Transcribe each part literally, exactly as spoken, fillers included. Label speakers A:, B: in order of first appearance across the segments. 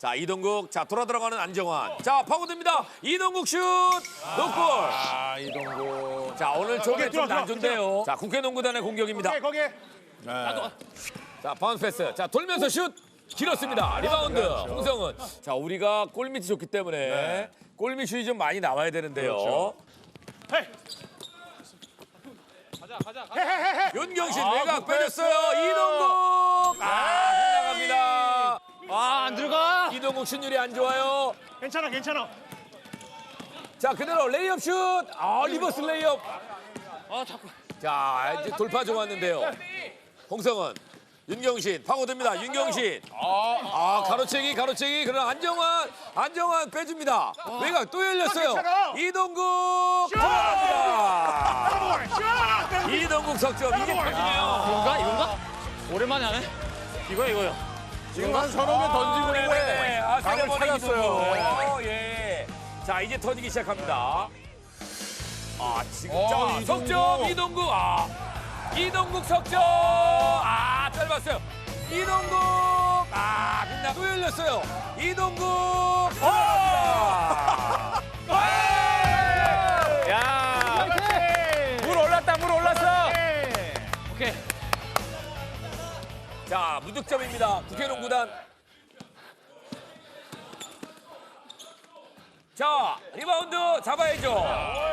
A: 자, 이동국. 자, 돌아 들어가는 안정환. 자, 파고듭니다. 이동국 슛! 노골.
B: 아, 이동국.
A: 자, 오늘 저게 좀
C: 들어와,
A: 난조인데요. 자, 국회농구단의 공격입니다.
C: 거기 거기.
A: 자, 바운스 패스. 자, 돌면서 슛! 길었습니다. 리바운드. 홍성은. 자, 우리가 골밑이 좋기 때문에 골밑 슛이 좀 많이 나와야 되는데요.
C: 헤이.
A: 윤경신
B: 아,
A: 외곽
B: 굿 패스.
A: 빼줬어요. 이동국. 아, 빗나갑니다.
B: 아, 안 들어가.
A: 이동국 슛률이 안 좋아요.
C: 괜찮아 괜찮아.
A: 자, 그대로 레이업 슛. 아, 리버스 레이업.
B: 아, 자꾸.
A: 자, 이제 돌파 좋았는데요. 홍성은. 윤경신 파고듭니다. 윤경신. 아, 가로채기, 가로채기. 그러나 안정환, 안정환 빼줍니다. 외곽 또 열렸어요.
C: 괜찮아.
A: 이동국 들어갑니다. 이동국 석점. 이게 터지네요.
B: 이건가? 이건가? 오랜만에 하네. 이거 이거요.
D: 지금 한 서너 개 던지고
A: 네,
D: 있는데
A: 아,
D: 감을
A: 세레머니
D: 찾았어요.
A: 이동국. 어, 예. 자, 이제 터지기 시작합니다. 아, 지금
D: 어,
A: 자,
D: 이동국.
A: 석점 이동국. 아, 이동국 석점. 아, 짧았어요. 이동국. 아, 빛나 또 열렸어요. 이동국. 아!
B: 야. 물 올랐다. 물 올랐어. 오케이.
A: 자, 무득점입니다. 국회농구단. 자, 리바운드 잡아야죠.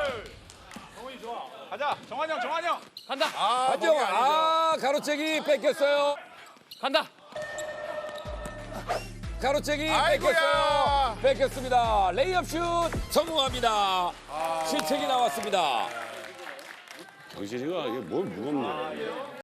C: 가자 정환 형 정환 형.
B: 간다.
D: 아, 거기
A: 안정환.
D: 아니죠.
A: 아, 가로채기 뺏겼어요.
B: 간다.
A: 가로채기
D: 아이고야.
A: 뺏겼어요. 뺏겼습니다. 레이업 슛 성공합니다. 실책이 나왔습니다.
E: 정신이가 이게 뭘 무겁네.